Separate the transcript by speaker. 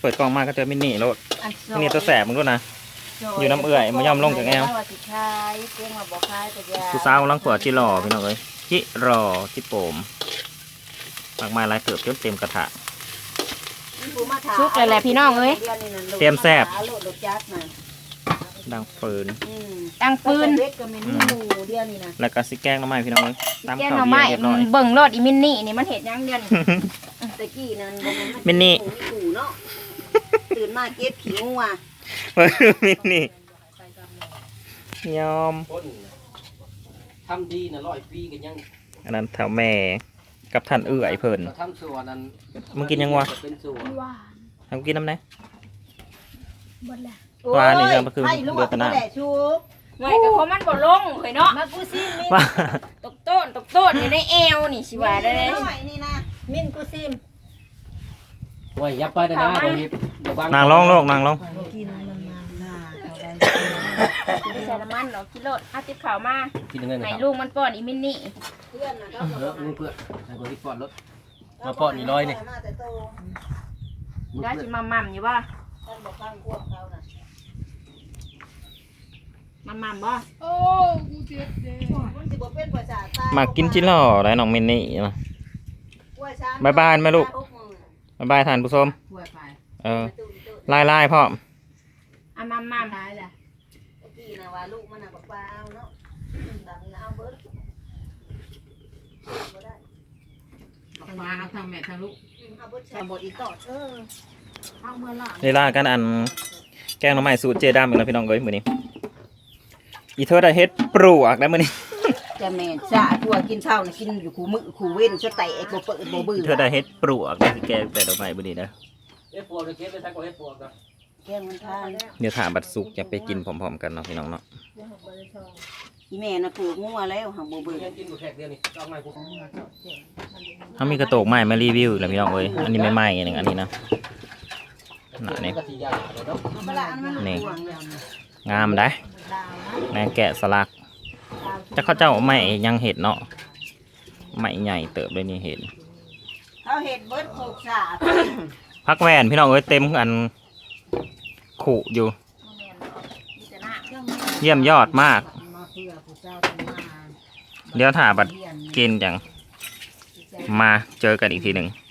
Speaker 1: เปิดกล้องมาก็เจอมินนี่โลด
Speaker 2: อัน
Speaker 1: มินนี่ตัวแสบมึงด้วยนะ อยู่น้ำเอื่อยมายอมลงจากแอว ผู้สาวกำลังขวดจิหล่อพี่น้องเอ้ยจิรอจิโปมมากมายหลายเติบจนเต็มกระถะ
Speaker 2: ชุกเลยแหละพี่น้องเอ้ย
Speaker 1: เตรียมแซ่บ ดังฟืน
Speaker 2: ดังปืน
Speaker 1: แล้วก็สิแกงน้ำไม้พี่น้องเอ้ยตาม
Speaker 2: แกง
Speaker 1: ข้าว
Speaker 2: หน่อ
Speaker 1: เบีย
Speaker 2: ไม้
Speaker 1: ร์เรียบร้อย
Speaker 2: เบิ่งรถอีมินนี่นี่มันเห็ดยังเดือน
Speaker 3: ตะกี้นั่น
Speaker 1: มินนี่
Speaker 3: ขู่เนาะตื่นมาเก็บขี้งัว
Speaker 1: มินนี่ยอม
Speaker 4: ทำดีนะ100 ปีกันยัง
Speaker 1: อันนั้นแถวแม่กับท่านเอื้อยเพิ่น
Speaker 4: ทำส่วนนั้น
Speaker 1: มึงกินยังวะ
Speaker 4: เป็นส่วน
Speaker 1: ทำกินน้ำไหนปลานี่ยังก็คือเดือดตะนา
Speaker 3: ชุบ
Speaker 2: ไม่ก็เพราะมันบ่ลงเฮ้ยเนาะ
Speaker 3: มากูซิม
Speaker 1: ว่า
Speaker 2: ตกโต้นอยู่ในแอวนี่สิว่าได้เลย
Speaker 3: นี่นะมินกูซิม
Speaker 4: โอ้ยอย่าไปนะนะตรงนี้
Speaker 1: นางลงโลกนางลง
Speaker 3: กินมันหน้าเขาได้
Speaker 2: ใส่น้ำมันเนาะกิโลเอาติดข่าวมา
Speaker 4: กินยังไงนะ
Speaker 2: ให้
Speaker 4: ครับ
Speaker 2: ลูกมันป้อนอีมินนี่
Speaker 3: เพื่อนนะ
Speaker 4: มือเพื่อนไอ้คนที่ปอดรถมาปอดนี่ร้อยนี่
Speaker 3: มาแต่โต
Speaker 2: ได้สิมาม่ำอยู่บ่
Speaker 3: ท่านบอกฟังพวกเขาน่ะ
Speaker 2: มาม่ำบ่
Speaker 3: มันสิบ่เป็นภาษาใต้
Speaker 1: มากินจิหล่อได้น้องมินนี่นะบายบายแม่ลูกบายบายท่านผู้ชมไล่พ่อม
Speaker 2: เอามาม่ำ
Speaker 3: กี้นะว่าลูกมันน่ะบอกว่าเอาเนาะดังเอาเบิดบ่ได้
Speaker 5: ทางแม่ทางลูก
Speaker 3: เอาเบิดใส่บทอีกต่อเอาเมื่อละ
Speaker 1: เวลากันอันแกงหน่อไม้สูตรเจดามอีกแล้วพี่น้องเอ้ยมื้อนี้อีเธอได้เฮ็ดปลวกได้มื้อนี้
Speaker 3: จะแม่นจ้าตัวกินเช้าน่ะกินอยู่คู่มื้อคู่เว้นสะแตกบ่เปิดบ่เบื่อ
Speaker 1: เธอได้เฮ็ดปลวกได้สิแกงแต่ดอกไม้มื้อนี้นะ
Speaker 4: เฮ็ดปวดเลยเก็บไปใช้ก็เฮ็ดปวดนะ
Speaker 3: แกงมันทาน
Speaker 1: เดี๋ยวถามบัดสุกจะไปกินพร้อมๆกันเนาะพี่น้องเนาะ
Speaker 3: อีแม่น่ะปลูกงัวแล้วหักบ่เบื่อ
Speaker 4: ยังกินบ่แขกเดียวนี่เอาไม้กู
Speaker 1: เฮามีกระโตกไม้มารีวิวแล้วพี่น้องเอ้ยอันนี้ไม่ไหม้อันนึงอันนี้นะน่ะนี่
Speaker 4: ก็สิยาเลยเนาะ
Speaker 3: เอาไปละอันมันห่วงแล้ว
Speaker 1: งามได้แม่แกะสลักจะเข้าเจ้าไม้ยังเห็ดเนาะไม้ใหญ่เติบเลยนี่เห็ด
Speaker 3: เขาเฮ็ดเบิดโคกสา
Speaker 1: พักแวนพี่น้องเอ้ยเต็มอันขู่อยู่ เยี่ยมยอดมาก เดี๋ยวถ่าบัดกินจังมาเจอกันอีกทีหนึ่ง